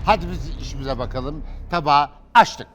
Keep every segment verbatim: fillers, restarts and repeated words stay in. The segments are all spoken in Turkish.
Hadi biz işimize bakalım. Tabağı açtık.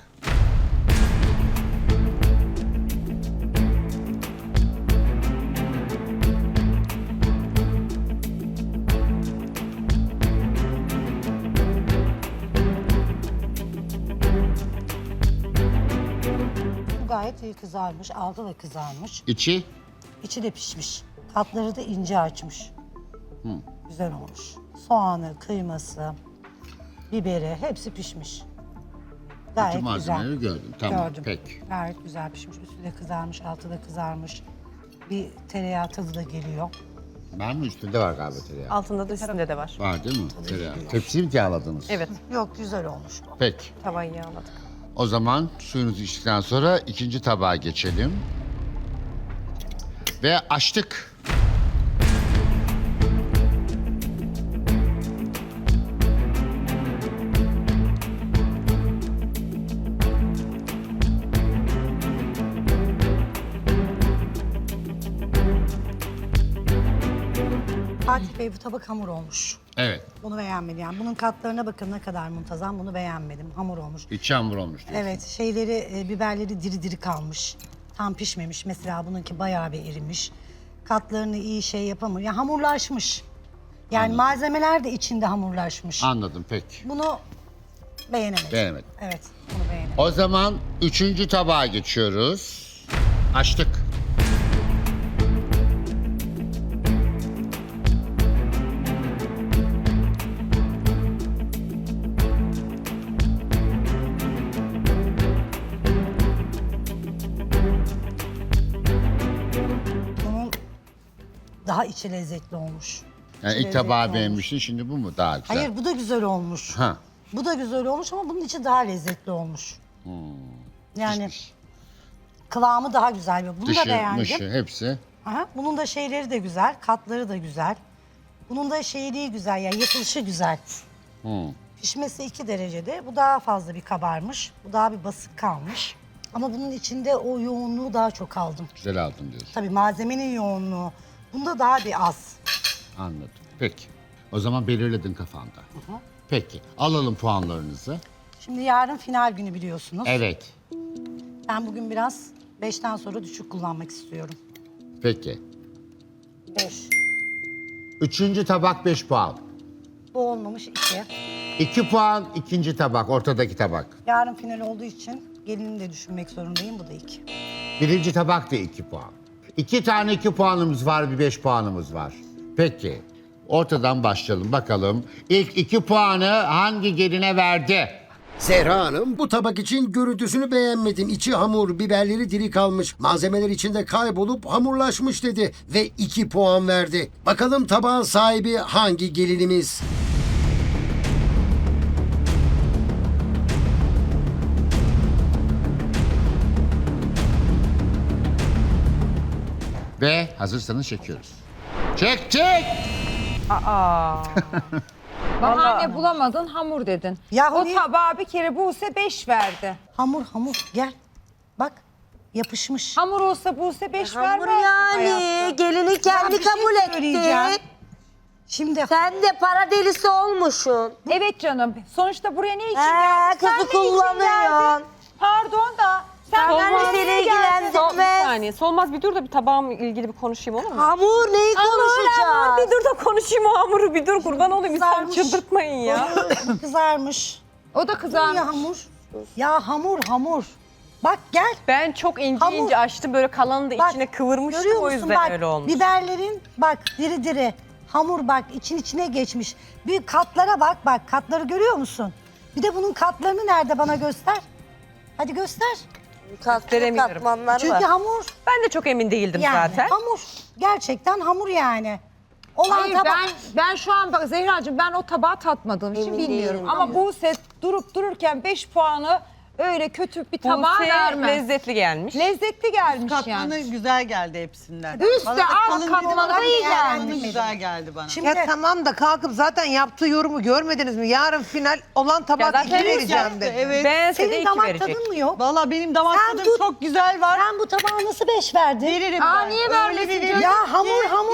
Gayet iyi kızarmış, altı da kızarmış. İçi? İçi de pişmiş. Katları da ince açmış. Güzel olmuş. Soğanı, kıyması, biberi hepsi pişmiş. Gayet Bütün güzel. malzemeleri gördüm. Tamam, Gördüm. peki. Gayet güzel pişmiş. Üstü de kızarmış, altı da kızarmış. Bir tereyağı tadı da geliyor. Ben mi üstünde var galiba tereyağı? Altında da üstünde de var. Var değil mi? Tereyağı. Tepsiyi mi yağladınız? Evet, Yok, güzel olmuş bu. Peki. tavayı yağladık. O zaman suyunuzu içtikten sonra ikinci tabağa geçelim. Ve açtık. Fatih Bey bu tabak hamur olmuş. Evet. Bunu beğenmedim. Yani bunun katlarına bakın ne kadar muntazam. Bunu beğenmedim. Hamur olmuş. İçi hamur olmuş diyorsun. Evet, şeyleri, e, biberleri diri diri kalmış. Tam pişmemiş. Mesela bununki bayağı bir erimiş. Katlarını iyi şey yapamıyor. Yani hamurlaşmış. Yani Anladım. malzemeler de içinde hamurlaşmış. Anladım, peki. Bunu beğenemedim. Beğenemedim. Evet, bunu beğenemedim. O zaman üçüncü tabağa geçiyoruz. Açtık. Bunun daha içi lezzetli olmuş. Yani İçi ilk tabağı lezzetli beğenmiştin, şimdi bu mu daha güzel? Hayır, bu da güzel olmuş. Ha. Bu da güzel olmuş ama bunun içi daha lezzetli olmuş. Yani Pişmiş. kıvamı daha güzel. Bunu da Dışı, beğendim. mışı hepsi. Aha, bunun da şeyleri de güzel, katları da güzel. Bunun da şeyliği güzel, yani yapılışı güzel. Hı. Pişmesi iki derecede. Bu daha fazla bir kabarmış. Bu daha bir basık kalmış. Ama bunun içinde o yoğunluğu daha çok aldım. Güzel aldın diyorsun. Tabii malzemenin yoğunluğu. Bunda daha bir az. Anladım. Peki. O zaman belirledin kafanda. Peki. Alalım puanlarınızı. Şimdi yarın final günü biliyorsunuz. Evet. Ben bugün biraz beşten sonra düşük kullanmak istiyorum. Peki. Beş. Üçüncü tabak beş puan. Bu olmamış iki. iki puan ikinci tabak, ortadaki tabak. Yarın final olduğu için gelini de düşünmek zorundayım. Bu da iki. Birinci tabak da iki puan. İki tane iki puanımız var, bir beş puanımız var. Peki. Ortadan başlayalım bakalım. İlk iki puanı hangi geline verdi? Zehra Hanım bu tabak için görüntüsünü beğenmedim. İçi hamur, biberleri diri kalmış. Malzemeler içinde kaybolup hamurlaşmış dedi ve iki puan verdi. Bakalım tabağın sahibi hangi gelinimiz? Ve hazırsanız çekiyoruz. Çek çek! Bahane bulamadın, hamur dedin. Yahu o niye- tabağa bir kere Buse beş verdi. Hamur hamur gel. Bak yapışmış. Hamur olsa Buse beş Hamur vermez. yani. Gelini Ben kendi bir şey kabul söyleyeceğim. etti. Şimdi Sen de para delisi olmuşsun. Evet canım. Sonuçta buraya ne için He, geldin? kızı Sen ne için kullanıyorsun. geldin? Pardon da. Sen Sen buraya seni niye geldin? ilgilendirmez. Sol, bir saniye. Solmaz bir dur da bir tabağımla ilgili bir konuşayım olur mu? Hamur neyi Hamur, konuşacağız? bir dur da konuşayım o hamuru bir dur kurban olayım. Sen Kızarmış. çıldırtmayın ya. kızarmış. O da kızarmış. Ya hamur. Ya hamur hamur. Bak gel. Ben çok ince Hamur. ince açtım böyle kalanı da Bak, içine kıvırmıştım görüyor o musun? yüzden Bak, öyle olmuş. biberlerin bak diri diri. Hamur bak için içine geçmiş. Bir katlara bak bak katları görüyor musun? Bir de bunun katlarını nerede bana göster. Hadi göster. Kat, Gösteremiyorum. katmanlar Çünkü var. hamur Ben de çok emin değildim yani. zaten. Hamur. Gerçekten hamur yani. Olan Hayır tabak. ben ben şu an bak Zehracığım ben o tabağı tatmadığım için Emin bilmiyorum. değilim. Ama Buse durup dururken beş puanı öyle kötü bir tabağa Buse vermez. lezzetli gelmiş. Lezzetli gelmiş Katmanı yani. güzel geldi hepsinden. Üstte Bana da alt kalın katmanı dedim ama iyi katmanı gelmiş. güzel geldi bana. Şimdi Ya tamam da kalkıp zaten yaptığı yorumu görmediniz mi? Yarın final olan Ya tabak zaten iki vereceğim yaptı, dedi. evet. Beğense de senin iki damak verecek. tadın mı yok? Valla benim damak Sen tadım tut. çok güzel var. Sen bu tabağa nasıl beş verdin? Veririm Aa, ben. niye Öyle vermesin bir canım? veririm Ya ki hamur hamur. hiç-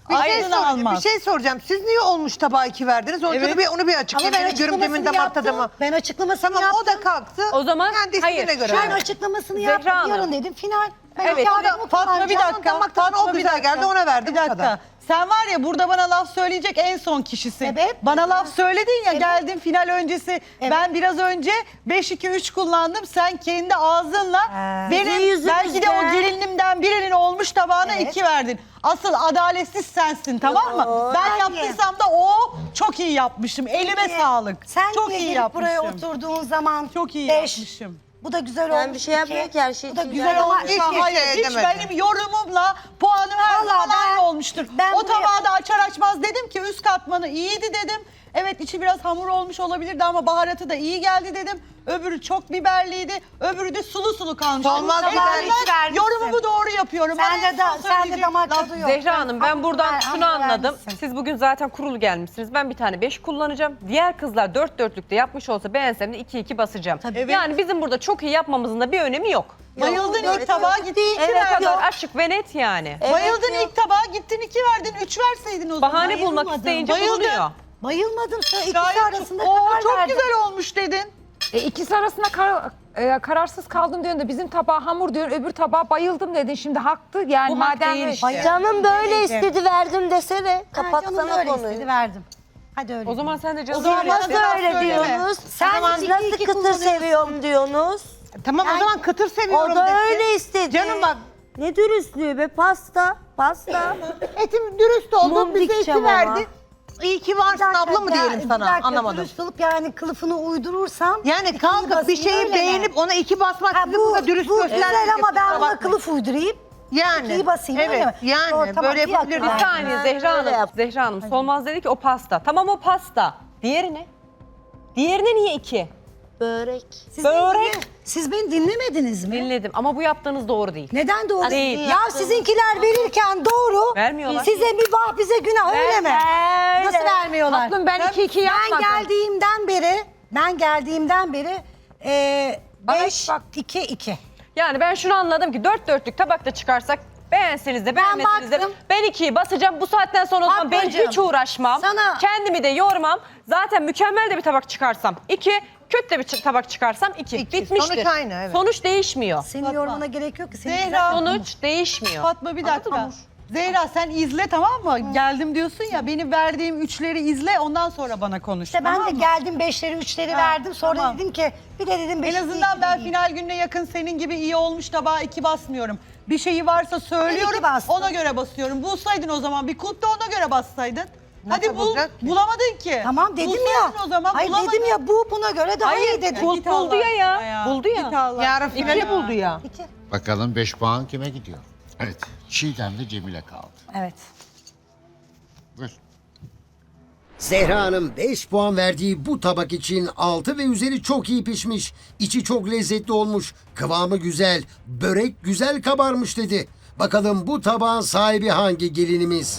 Bir şey, Aydın soracağım, almaz. bir şey soracağım. Siz niye olmuş tabağa iki verdiniz? Onu, Evet. bir, onu bir Ama açıklayın. ben Benim görümcemin açıklamasını damak tadı yaptım. mı? Ben açıklamasını Tamam yaptım. o da kalktı. O zaman- kendi istediğine hayır, göre. şu Ben an- açıklamasını Zehra yaptım. Hanım. Yarın dedim final. Ben Evet. kağıdımı Fatma bir kullanacağım. dakika. damak tadına o Fatma, bir güzel dakika. geldi, ona verdim, Bir o kadar. dakika. Sen var ya burada bana laf söyleyecek en son kişisin. Sebep? Bana laf söyledin ya Evet. geldin final öncesi. Ben biraz önce beş iki üç kullandım. Sen kendi ağzınla Ee, benim Bizim yüzümüzden. belki de o gelinimden birinin olmuş tabağına Evet. iki verdin. Asıl adaletsiz sensin, tamam mı? Yo, Ben hayır. yaptıysam da o çok iyi yapmışım. Elime Peki, sağlık. Sen çok niye iyi gelip yapmışım. buraya oturduğun zaman Çok iyi beş, yapmışım. Bu da güzel olmuş. Ben bir şey yapmıyorum iki. ki, her şey Bu da için güzel güzel olmuş. olmuş. Hiç Hayır, şey hiç demedim. benim yorumumla puanım her Vallahi zaman ben- aynı olmuştur. ben o buraya- tabağı da açar açmaz dedim ki üst katmanı iyiydi dedim. Evet içi biraz hamur olmuş olabilirdi ama baharatı da iyi geldi dedim. Öbürü çok biberliydi. Öbürü de sulu sulu kalmış. Olmaz, Ben biber hiç vermişsin. yorumumu doğru yapıyorum. Bana Sen de, en da, son sen de söyleyecek damak laf- tadı yok. Zehra Hanım ben buradan Hamur- şunu hamur anladım. vermişsin. Siz bugün zaten kurulu gelmişsiniz. Ben bir tane beş kullanacağım. Diğer kızlar dört dörtlükte yapmış olsa beğensem de iki iki basacağım. Evet. Yani bizim burada çok iyi yapmamızın da bir önemi yok. Bayıldın Yok, ilk tabağa yok. gittin iki Ne verdin. kadar açık ve net yani. Evet, Bayıldın yok. ilk tabağa gittin iki verdin. Üç verseydin o zaman. Bahane bulmak bayılmadım. isteyince Bayıldım. bulunuyor. Bayılmadım. Sonra ikisi Gayet arasında Oo, karar çok verdim. güzel olmuş dedin. E, ikisi arasında kar- e, kararsız kaldım diyorsun da bizim tabağa hamur diyorsun, öbür tabağa bayıldım dedin. Şimdi haktı yani Bu hak madem değil öyle- işte. Canım böyle istedi verdim desene. Ha, canım Kapatsana öyle konuyu. istedi verdim. Hadi öyle. O zaman sen de O canım zaman öyle. bana Nasıl laf öyle söyleme. diyorsunuz? Sen Sen iki nasıl iki kıtır kullanıyorsun. seviyorum diyorsunuz? Tamam o zaman kıtır seviyorum O da desin. öyle istedi. Canım bak, Ne dürüstlüğü be, pasta. Pasta. etim dürüst oldun, Mum bize dikeceğim iki ama. verdin. İyi ki varsın Bir dakika, abla mı ya, diyelim bir sana, dakika, anlamadım. Dürüst olup yani kılıfını uydurursam. Yani ikiyi kalkıp bir basayım, şeyi öyle mi? beğenip ona iki basmak Ha, sizi bu, burada dürüst bu göstermek. güzel ama ben kusura buna bakmayın. kılıf uydurayım. Yani. ikiyi basayım, evet, öyle mi? yani Doğru, tamam, böyle bir yapabiliriz. dakika. Bir saniye Ha, Zehra öyle Hanım. yap. Zehra Hanım Solmaz dedi ki o pasta. Tamam o pasta. Diğeri ne? Diğerine niye iki? Börek. Siz Börek. Beni, dinle- siz beni dinlemediniz mi? Dinledim ama bu yaptığınız doğru değil. Neden doğru? Değil. Ya sizinkiler verirken doğru. Vermiyorlar. Size mübah bize günah öyle mi? Öyle. Nasıl vermiyorlar? Tatlım ben iki iki Ben yapmadım. geldiğimden beri, ben geldiğimden beri e, Bana beş, hiç bak- iki, iki. Yani ben şunu anladım ki dört dörtlük tabakta çıkarsak beğenseniz de beğenmeseniz de baktım. ben ikiyi basacağım. Bu saatten sonra o zaman ben Fatmacığım, hiç uğraşmam. sana- Kendimi de yormam. Zaten mükemmel de bir tabak çıkarsam iki, kötü de bir ç- tabak çıkarsam iki. İki. Bitmiştir. Sonuç aynı, evet. Sonuç değişmiyor. Senin yorumuna gerek yok ki. Senin Zehra, güzel- Sonuç değişmiyor. Fatma bir dakika. Anladın mı? Zehra sen izle tamam mı? Geldim diyorsun ya benim verdiğim üçleri izle ondan sonra bana konuş. İşte ben tamam de mı? geldim beşleri, üçleri Ha, verdim. Sonra tamam. dedim ki bir de dedim En beşi azından iki ben değil. final gününe yakın senin gibi iyi olmuş tabağa iki basmıyorum. Bir şeyi varsa söylüyorum iki bastım. ona göre basıyorum. Bulsaydın o zaman bir kulp da ona göre bassaydın. Nasıl Hadi bul, bulacak ki? bulamadın ki. Tamam dedim ya. Bulsaydın o zaman Hayır bulamadın. dedim ya bu buna göre daha iyi dedim. Bul- Git buldu ya ya. Allah. Buldu ya. Git Allah. Yarın finali buldu ya. İki. Bakalım beş puan kime gidiyor? Evet. Çiğdem'le Cemile kaldı. Evet. Buyur. Zehra Hanım beş puan verdiği bu tabak için altı ve üzeri çok iyi pişmiş. İçi çok lezzetli olmuş. Kıvamı güzel. Börek güzel kabarmış dedi. Bakalım bu tabağın sahibi hangi gelinimiz?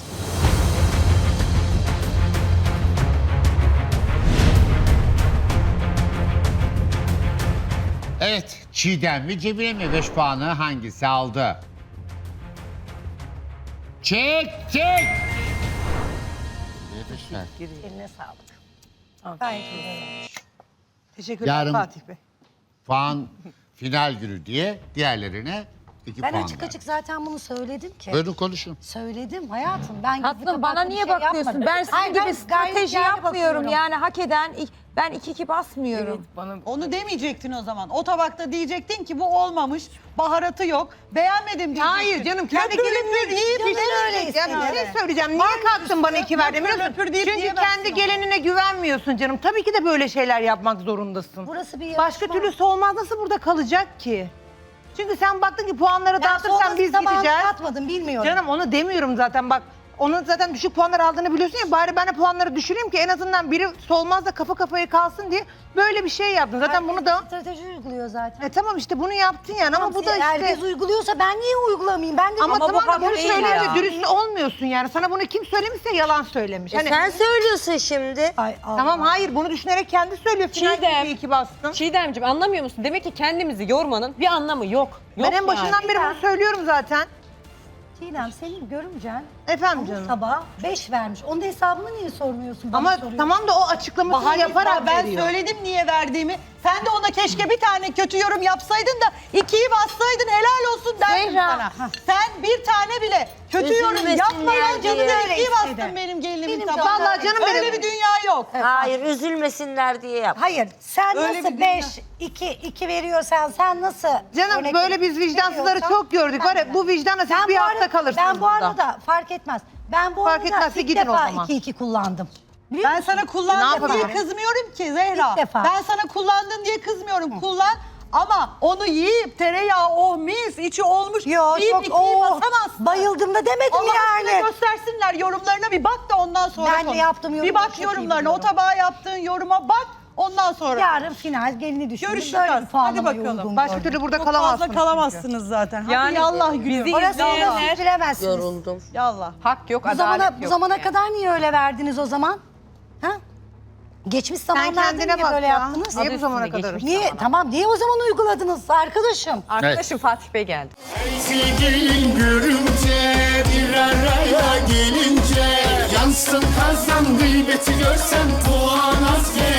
Evet. Çiğdem mi Cemile mi? Beş puanı hangisi aldı? Çek çek. Beş ver. Eline sağlık. Gayet güzel. Teşekkürler Yarın- Fatih Bey. Puan final günü diye diğerlerine iki Ben puan açık ver. açık zaten bunu söyledim ki. Buyurun konuşun. Söyledim hayatım. Ben gizli Tatlım bana kapaklı bir niye şey bakıyorsun? yapmadım. Ben sizin Hayır, gibi ben strateji gayet yani yapmıyorum. bakıyorum. Yani hak eden ben iki iki basmıyorum. Onu demeyecektin o zaman. O tabakta diyecektin ki bu olmamış, baharatı yok, beğenmedim diyecektin. Hayır canım kendi Löpür gelinini löpür iyi yiyip pişirmiş. öyle Ya bir şey istedim. söyleyeceğim. Niye kalktın bana iki verdin biliyor musun? löpür deyip Çünkü yiyemezsin kendi onu. gelinine güvenmiyorsun canım. Tabii ki de böyle şeyler yapmak zorundasın. Burası bir Başka yarışma. türlüsü olmaz. Nasıl burada kalacak ki? Çünkü sen baktın ki puanları Ben dağıtırsan sonrası biz tabağını gideceğiz. katmadım bilmiyorum. Canım onu demiyorum zaten bak. Onun zaten düşük puanlar aldığını biliyorsun ya, bari ben de puanları düşüreyim ki en azından biri solmaz da kafa kafaya kalsın diye böyle bir şey yaptın. Zaten Herkes bunu da strateji uyguluyor zaten. e tamam işte bunu yaptın yani Tamam, ama bu da siz- işte herkes uyguluyorsa ben niye uygulamayayım? Ben de ama, Ama bu tamam da hak bunu değil söyleyince ya. dürüst olmuyorsun yani. Sana bunu kim söylemişse yalan söylemiş. E Hani sen söylüyorsun şimdi. Ay, Allah. tamam hayır bunu düşünerek kendi söylüyor. Final Çiğdem. günü iyi ki bastın. Çiğdemciğim anlamıyor musun? Demek ki kendimizi yormanın bir anlamı yok. Yok Ben en başından yani. beri bunu söylüyorum zaten. Çiğdem senin görümcen Efendim canım. Tabağa beş vermiş. Onun da hesabını niye sormuyorsun? Bana Ama soruyorsun. tamam da o açıklamasını Bahane yaparak ben veriyor. söyledim niye verdiğimi. Sen de ona keşke bir tane kötü yorum yapsaydın da ikiyi bassaydın helal olsun derdim Zehra, sana. hah. Sen bir tane bile kötü yorum Üzülmesinler yapmadan diye. canını Öyle ikiyi istedi. bastın benim gelinimin Benim tabağına. vallahi canım Öyle benim. bir dünya yok. Hayır üzülmesinler diye yap. Hayır, sen Öyle nasıl bir beş, iki, iki veriyorsan sen nasıl... Canım örnek böyle biz vicdansızları veriyorsan çok gördük. ben Var ya de. bu vicdanla siz Ben bir bu hafta arada- kalırsınız Ben bu burada. arada fark etmez. Ben bu Fark arada etmezse ilk gidin o defa zaman. iki iki kullandım. Biliyor Ben musun? sana Ne kullandın diye yapabilirim? kızmıyorum ki Zehra. İlk defa. Ben sana kullandın diye kızmıyorum. Kullan ama onu yiyip tereyağı oh mis içi olmuş Yo deyip çok ikiyi oh, basamazsın. bayıldım da demedim Allah yani. aşkına göstersinler yorumlarına bir bak da ondan sonra Ben de konuş. yaptığım Bir yorumları bak çok iyi yorumlarına o biliyorum. tabağa yaptığın yoruma bak ondan sonra. Yarın final gelini düşündüm. Görüşeceğiz. Böyle bir Hadi puanlamayı bakalım. uygun Başka gördüm. türlü burada Çok kalamazsınız. fazla kalamazsınız zaten. Hadi Yani yallah gülüyor. bizi Orası izleyenler- olmaz, siz bilemezsiniz. Yoruldum. Yallah. Hak yok, Bu adalet zamana, yok. bu zamana yani. kadar niye öyle verdiniz o zaman? Ha? Geçmiş Sen zamanlarda kendine niye bak böyle ya. yaptınız? Niye bu Adı zamana üstünde kadar? geçmiş. Niye? Tamam niye o zaman uyguladınız arkadaşım? Arkadaşım Fatih Bey geldi. Sevgilin görünce bir araya gelince yansın kazan gıybeti görsen puan az